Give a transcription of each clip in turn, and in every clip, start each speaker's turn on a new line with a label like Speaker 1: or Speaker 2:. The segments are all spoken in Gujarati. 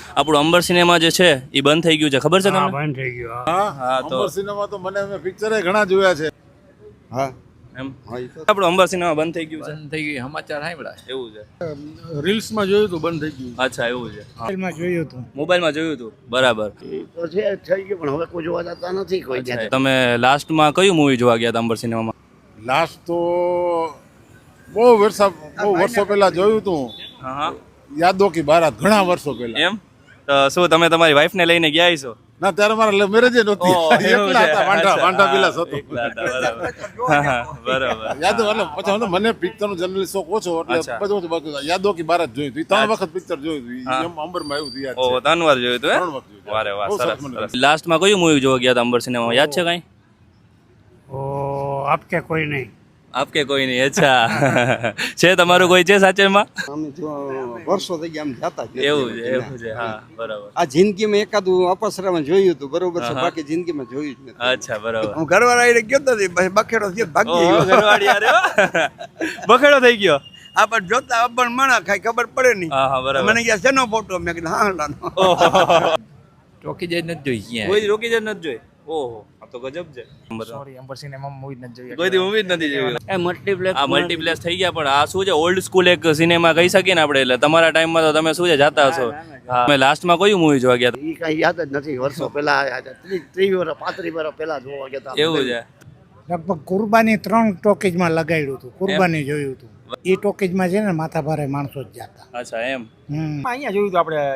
Speaker 1: આપણું અંબર સિનેમા જે છે એ બંધ થઈ ગયું છે, ખબર છે તમને?
Speaker 2: બંધ થઈ ગયો.
Speaker 1: હા તો
Speaker 3: અંબર સિનેમા તો મને પિક્ચરે ઘણા જોયા છે. હા
Speaker 1: એમ આપણું અંબર સિનેમા બંધ થઈ ગયું છે,
Speaker 4: બંધ થઈ ગઈ સમાચાર સાંભળ્યા.
Speaker 1: એવું છે?
Speaker 3: રીલ્સમાં જોયું હતું બંધ થઈ ગયું.
Speaker 1: અચ્છા એવું છે,
Speaker 2: મોબાઈલમાં જોયું હતું.
Speaker 1: મોબાઈલમાં જોયું હતું, બરાબર.
Speaker 5: તો છે થઈ ગયું પણ હવે કોઈ જોવા જતા નથી કોઈ
Speaker 1: અચ્છા, તમે લાસ્ટમાં કયું મૂવી જોવા ગયા હતા અંબર સિનેમામાં?
Speaker 3: લાસ્ટ તો બહુ વર્ષો પહેલા જોયું હતું.
Speaker 1: હા હા
Speaker 3: યાદો કી બારાત, ઘણા વર્ષો પહેલા.
Speaker 1: એમ તો શું તમે તમારી વાઈફને લઈને ગયા છો?
Speaker 3: ના ત્યારે મારા મેરેજ નહોતી.
Speaker 1: ઓહ, એવું
Speaker 3: એકલા
Speaker 1: છે.
Speaker 3: હતા, વાંઢા વિલાસ હતો.
Speaker 1: એકલા હતા, બરાબર. હા, હા, બરાબર.
Speaker 3: યાદો એટલે પછી મને પિક્ચરનો જનરલી શોખ ઓછો એટલે
Speaker 1: અચ્છા.
Speaker 3: બધું બાકી યાદો કી બારાત જોયું હતું. 3 વખત પિક્ચર જોયું હતું.
Speaker 1: હા.
Speaker 3: એમ અંબરમાં આવ્યું હતું યાદ
Speaker 1: ઓહ,
Speaker 3: છે.
Speaker 1: 3 વાર જોયું હતું,
Speaker 3: 3 વખત જોયું.
Speaker 1: વારે વાહ,
Speaker 3: બહુ
Speaker 1: સરસ
Speaker 3: મને
Speaker 1: સરસ. લાસ્ટમાં કયું મૂવી જોવા ગયા હતા અંબર સિનેમામાં, યાદ છે કાંઈ?
Speaker 2: ઓ આપકે કોઈ નહીં.
Speaker 1: આપકે કોઈ નહીં. અચ્છા છે તમારું કોઈ છે સાચેમાં?
Speaker 6: અમે જો વર્ષો થઈ ગયા આમ જાતા જ નથી.
Speaker 1: એવું છે, એવું છે. હા, બરાબર.
Speaker 6: આ જિંદગીમાં એકાદું અપસરામાં જોયું હતું બરોબર છે,
Speaker 1: હા.
Speaker 6: બાકી જિંદગીમાં જોયું જ નથી.
Speaker 1: અચ્છા, બરાબર.
Speaker 6: હું ઘરવાળા આઈને ગયો તો બખેડો થયો ભાગી
Speaker 1: ઓહો,
Speaker 6: ગયો.
Speaker 1: ઘરવાળી યાર, એવા? બખેડો થઈ ગયો.
Speaker 6: આ પણ જોતા અબણ મણા ખાઈ ખબર પડે નહીં.
Speaker 1: હા હા, બરાબર.
Speaker 6: મને ગયા શેનો ફોટો મેં કીધું હા લાનો.
Speaker 1: ઓહો,
Speaker 4: ચોકી જઈ નથી જોઈ ક્યાં.
Speaker 1: કોઈ રોકી જ નથી જોઈ. ઓહો, આ તો ગજબ છે.
Speaker 2: સોરી અંબર સિનેમા મૂવી નથી જોયું.
Speaker 1: કોઈ દી મૂવી જ નથી જોઈ.
Speaker 5: એ મલ્ટીપ્લેક્સ
Speaker 1: આ મલ્ટીપ્લેક્સ થઈ ગયા, પણ આ શું છે, ઓલ્ડ સ્કૂલ એક સિનેમા કહી શકીએ ને આપણે. એટલે તમારા ટાઈમમાં તો તમે શું છે જાતા હશો. હા, તમે લાસ્ટમાં કયું મૂવી જોવા ગયા હતા?
Speaker 5: એ કઈ યાદ જ નથી. વર્ષો પહેલા 30 વર્ષ 35 વર્ષ પહેલા જોવા ગયા હતા.
Speaker 1: એવું છે?
Speaker 2: લગભગ કુરબાની 3 ટોકીજમાં લગાડ્યું હતું. કુરબાની જોયું હતું. એ ટોકીજમાં છે ને માથા ભારે માણસો જ જાતા.
Speaker 1: અચ્છા, એમ.
Speaker 7: અહીંયા જોયું હતું આપણે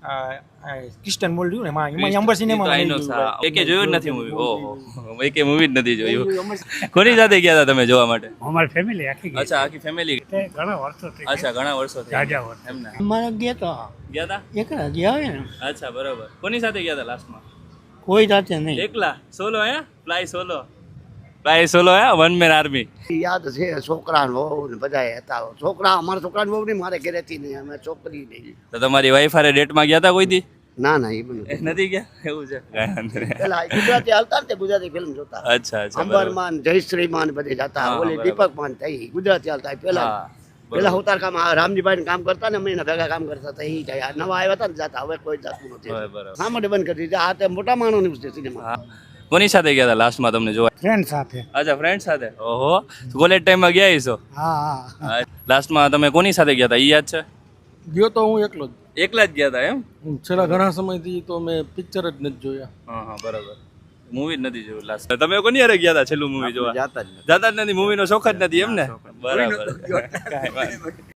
Speaker 7: ક્રિસ્ટન મોલ જોયું ને એમાં અંબર સિનેમા
Speaker 1: એકે જોયું જ નથી મૂવી. ઓહો, એકે મૂવી જ નથી જોયું. કોની સાથે ગયા હતા તમે જોવા માટે?
Speaker 2: અમારી ફેમિલી આખી ગઈ.
Speaker 1: અચ્છા, આખી ફેમિલી.
Speaker 2: તે ઘણા વર્ષો થઈ ગયા.
Speaker 1: અચ્છા, ઘણા વર્ષો થઈ
Speaker 2: જાજા
Speaker 1: ગયા.
Speaker 2: વર્ષ.
Speaker 1: એમને
Speaker 7: અમારે ગયા હતા
Speaker 1: ગયા હતા?
Speaker 7: એકલા ગયા હોય ને
Speaker 1: અચ્છા, બરાબર. કોની સાથે ગયા હતા લાસ્ટમાં?
Speaker 7: કોઈ જાતે નહીં.
Speaker 1: એકલા? સોલો હે? Fly solo? ફ્લાય સોલો હે? One man army?
Speaker 5: યાદ છે છોકરા વહુ ને બધા હતા. છોકરા અમારા છોકરાની વહુ નહીં, મારે ઘરેથી નહીં, અમે છોકરી નહીં.
Speaker 1: તો તમારી વાઈફ હારે ડેટમાં ગયા હતા કોઈ દી?
Speaker 5: ના ના એ બધું
Speaker 1: એ નથી ગયા? એવું છે. કાંઈ વાંધો નહીં.
Speaker 5: પેલા ગુજરાતી હાલતા ને તે ગુજરાતી ફિલ્મ જોતા.
Speaker 1: અચ્છા અચ્છા, બરાબર.
Speaker 5: અંબરમાન જયશ્રીમાન બધે જતા.
Speaker 1: હા,
Speaker 5: ઓલી
Speaker 1: બરાબર.
Speaker 5: દીપકમાન થઈ ગુજરાતી હાલતા પેલા.
Speaker 1: હા,
Speaker 5: પેલા
Speaker 1: બરાબર.
Speaker 5: ઉતાર કામ રામજીભાઈ કામ કરતા ને અમે એના ભેગા કામ કરતા હતા. એ જાય નવા આવ્યા હતા ને જાતા. હવે કોઈ જાતું નથી.
Speaker 1: બરાબર.
Speaker 5: શા માટે બંધ કરી દીધા? આ તે મોટા માણસની છે સિનેમા.
Speaker 1: હા. કોની સાથે ગયા હતા લાસ્ટમાં તમને જોવા?
Speaker 2: ફ્રેન્ડ સાથે.
Speaker 1: અચ્છા, ફ્રેન્ડ સાથે. ઓહો, કોલેજ ટાઈમમાં ગયા હશો.
Speaker 2: હા હા.
Speaker 1: લાસ્ટમાં તમે કોની સાથે ગયા હતા, ઈ યાદ છે?
Speaker 8: ગયો તો હું એકલો જ.
Speaker 1: એકલા જ ગયા હતા એમ?
Speaker 8: છેલ્લા ઘણા સમયથી તો મેં પિક્ચર જ નથી જોયા.
Speaker 1: હા હા, બરાબર. મૂવી જ નથી જોયું લાસ્ટ. તમે કોની હારે ગયા હતા છેલ્લું મૂવી જોવા?
Speaker 6: જાતા જ નથી.
Speaker 1: જાતા જ નથી, મૂવીનો શોખ જ નથી એમ ને? બરાબર. કાંઈ વાંધો નહીં.